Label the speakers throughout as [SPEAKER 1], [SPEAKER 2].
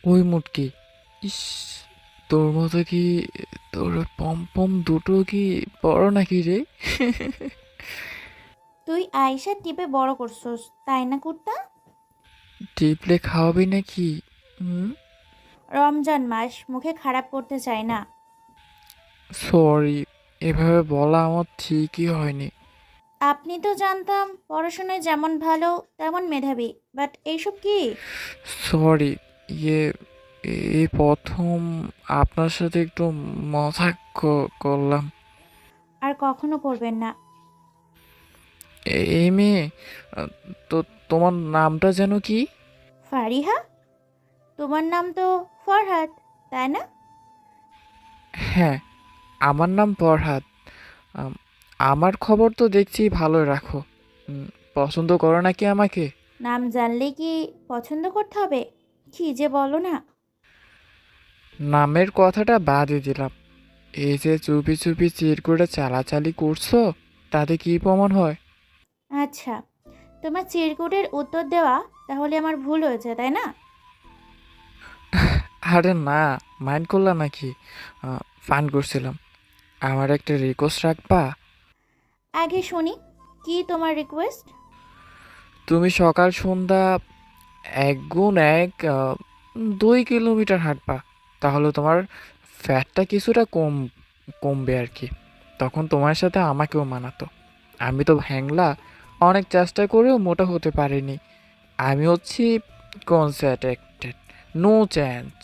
[SPEAKER 1] ওই মুটকি, ইস, তোর মতো কি, তোর পম দুটো কি বড় নাকি রে?
[SPEAKER 2] তুই আইসা টিপে বড় করছস, তাই না কুত্তা?
[SPEAKER 1] টিপলে খাওয়াবি নাকি? হুম।
[SPEAKER 2] রমজান মাস, মুখে খারাপ করতে চাই না।
[SPEAKER 1] সরি, এভাবে বলা আমার ঠিকই হয়নি।
[SPEAKER 2] আপনি তো জানতাম পড়াশোনায় যেমন ভালো তেমন মেধাবী, বাট এইসব কি?
[SPEAKER 1] সরি, ইয়ে, এই প্রথম আপনার সাথে একটু মজা করলাম।
[SPEAKER 2] আর কখনো করবেন না।
[SPEAKER 1] এই মেয়ে, আহ, তো তোমার নামটা যেন কি?
[SPEAKER 2] ফারিহা? তোমার নাম তো ফরহাদ, তাই না?
[SPEAKER 1] হ্যাঁ, আমার নাম ফরহাদ। আম, আমার খবর তো দেখছি ভালোই রাখো। উম, পছন্দ করো নাকি আমাকে?
[SPEAKER 2] নাম জানলে কি পছন্দ করতে হবে? কি যে বলো না।
[SPEAKER 1] নামের কথাটা বাদই দিলাম। এই যে চুপি চুপি চিরকুটে চালাচালি করছো, তাতে কি প্রমাণ হয়?
[SPEAKER 2] আচ্ছা, তোমার চিরকুটের উত্তর দেওয়া তাহলে আমার ভুল হয়েছে, তাই না?
[SPEAKER 1] আরে না, মাইন্ড করলা নাকি? ফান করছিলাম। আমার একটা রিকোয়েস্ট রাখবা?
[SPEAKER 2] আগে শুনি, কি তোমার রিকোয়েস্ট?
[SPEAKER 1] তুমি সকাল সন্ধ্যা এক গুণ এক 2 কিলোমিটার হাঁটবা, তাহলে তোমার ফ্যাটটা কিছুটা কমবে আর কি। তখন তোমার সাথে আমাকেও মানাতো। আমি তো হ্যাংলা, অনেক চেষ্টা করেও মোটা হতে পারিনি। আমি হচ্ছি কনসেন্ট্রেটেড, নো চেঞ্জ।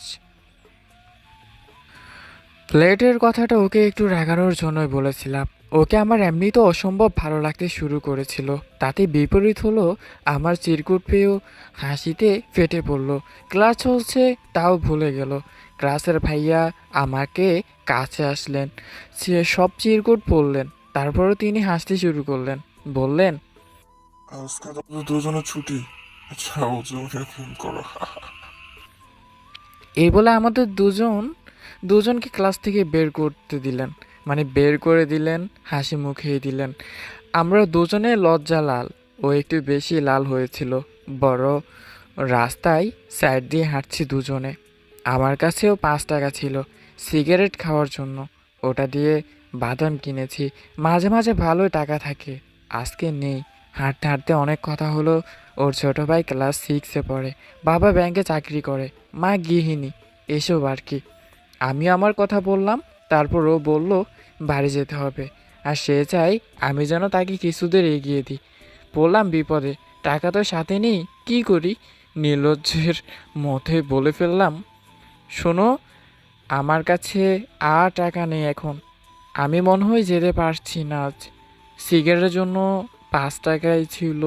[SPEAKER 1] প্লেটের কথাটা ওকে একটু রাগানোর জন্যই বলেছিলাম। ওকে আমার এমনিতেও অসম্ভব ভালো লাগতে শুরু করেছিল। তাতে বিপরীত হলো, আমার চিরকুট পেয়েও হাসিতে ফেটে পড়ল। ক্লাস চলছে তাও ভুলে গেল। ক্লাসের ভাইয়া আমাকে কাছে আসলেন, সে সব চিরকুট পড়লেন। তারপরও তিনি হাসতে শুরু করলেন, বললেন,
[SPEAKER 3] আজকে তো দুজনের ছুটি। আচ্ছা, ওজনে ফোন করো।
[SPEAKER 1] এই বলে আমাদের দুজনকে ক্লাস থেকে বের করতে দিলেন, মানে বের করে দিলেন, হাসি মুখেই দিলেন। আমরা দুজনে লজ্জা লাল, ও একটু বেশি লাল হয়েছিল। বড় রাস্তায় সাইড দিয়ে হাঁটছি দুজনে। আমার কাছেও 5 টাকা ছিল সিগারেট খাওয়ার জন্য। ওটা দিয়ে বাদাম কিনেছি। মাঝে মাঝে ভালোই টাকা থাকে, আজকে নেই। হাঁটতে হাঁটতে অনেক কথা হলো। ওর ছোট ভাই ক্লাস 6-এ পড়ে, বাবা ব্যাংকে চাকরি করে, মা গৃহিণী, এসব আর কি। আমি আমার কথা বললাম, তারপর ও বলল বাড়ি যেতে হবে, আর সে চাই আমি যেন তাকে কিছুদের এগিয়ে দিই। বললাম বিপদে, টাকা তো সাথে নেই, কি করি? নির্লজ্জের মধ্যে বলে ফেললাম, শোনো, আমার কাছে আর টাকা নেই এখন। আমি মনে হয় যেতে পারছি না আজ। সিগারেটের জন্য 5 টাকাই ছিল।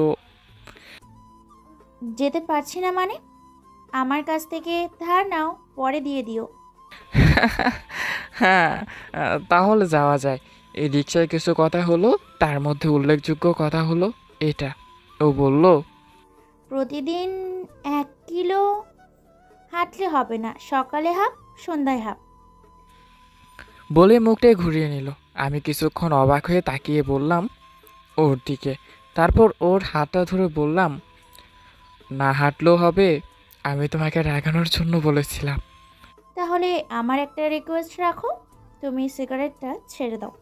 [SPEAKER 2] যেতে পারছি না মানে? আমার কাছ থেকে ধার নাও, পরে দিয়ে দিও।
[SPEAKER 1] হ্যাঁ, তাহলে যাওয়া যায়। এই রিক্সায় কিছু কথা হলো, তার মধ্যে উল্লেখযোগ্য কথা হলো এটা। ও বলল,
[SPEAKER 2] প্রতিদিন 1 কিলো হাঁটলে হবে না, সকালে হাফ, সন্ধ্যায় হাফ।
[SPEAKER 1] বলে মুখটাই ঘুরিয়ে নিল। আমি কিছুক্ষণ অবাক হয়ে তাকিয়ে বললাম ওর দিকে। তারপর ওর হাতটা ধরে বললাম, না হাঁটলেও হবে, আমি তোমাকে রাগানোর জন্য বলেছিলাম।
[SPEAKER 2] তাহলে আমার একটা রিকোয়েস্ট রাখো, তুমি সিগারেটটা ছেড়ে দাও।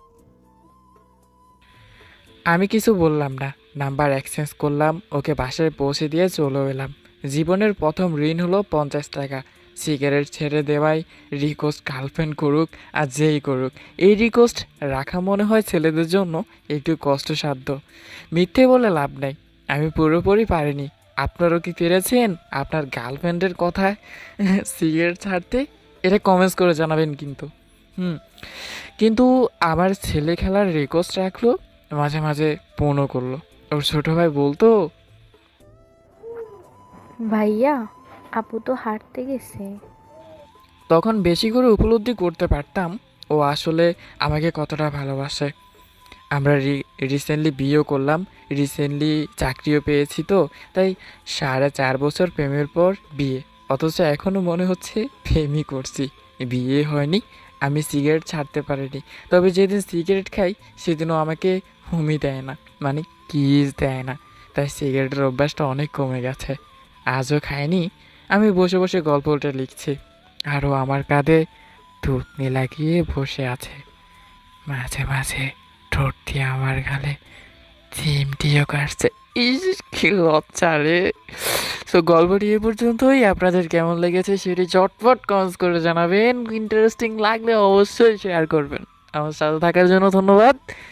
[SPEAKER 1] আমি কিছু বললাম না, নাম্বার এক্সচেঞ্জ করলাম, ওকে বাসায় পৌঁছে দিয়ে চলে এলাম। জীবনের প্রথম ঋণ হলো 50 টাকা। সিগারেট ছেড়ে দেওয়াই রিকোয়েস্ট গার্লফ্রেন্ড করুক আর যেই করুক, এই রিকোয়েস্ট রাখা মনে হয় ছেলেদের জন্য একটু কষ্টসাধ্য। মিথ্যে বলে লাভ নাই, আমি পুরোপুরি পারিনি। আপনারও কি পেরেছেন আপনার গার্লফ্রেন্ডের কথায় সিগারেট ছাড়তে? এটা কমেন্টস করে জানাবেন কিন্তু। হুম। কিন্তু আমার ছেলে খেলার রিকোয়েস্ট রাখলো, মাঝে মাঝে ফোনও করলো। ওর ছোট ভাই বলতো,
[SPEAKER 4] ভাইয়া, আপু তো হাঁটতে গেছে।
[SPEAKER 1] তখন বেশি করে উপলব্ধি করতে পারতাম ও আসলে আমাকে কতটা ভালোবাসে। আমরা রিসেন্টলি বিয়েও করলাম, রিসেন্টলি চাকরিও পেয়েছি, তো তাই 4.5 বছর প্রেমের পর বিয়ে। অথচ এখনও মনে হচ্ছে প্রেমই করছি, বিয়ে হয়নি। আমি সিগারেট ছাড়তে পারিনি, তবে যেদিন সিগারেট খাই সেদিনও আমাকে হুমি দেয় না, মানে কিস দেয় না। তাই সিগারেটের অভ্যাসটা অনেক কমে গেছে। আজও খায়নি, আমি বসে বসে গল্পটা লিখছি, আরও আমার কাঁধে থুতনি লাগিয়ে বসে আছে। মাঝে মাঝে ঠোঁট দিয়ে আমার গালে চিমটিও কাটছে। ইস, কি লজ্জা রে। সো গল্পটি এ পর্যন্তই। আপনাদের কেমন লেগেছে সেটি চটপট কমেন্টস করে জানাবেন। ইন্টারেস্টিং লাগলে অবশ্যই শেয়ার করবেন। আমার সাথে থাকার জন্য ধন্যবাদ।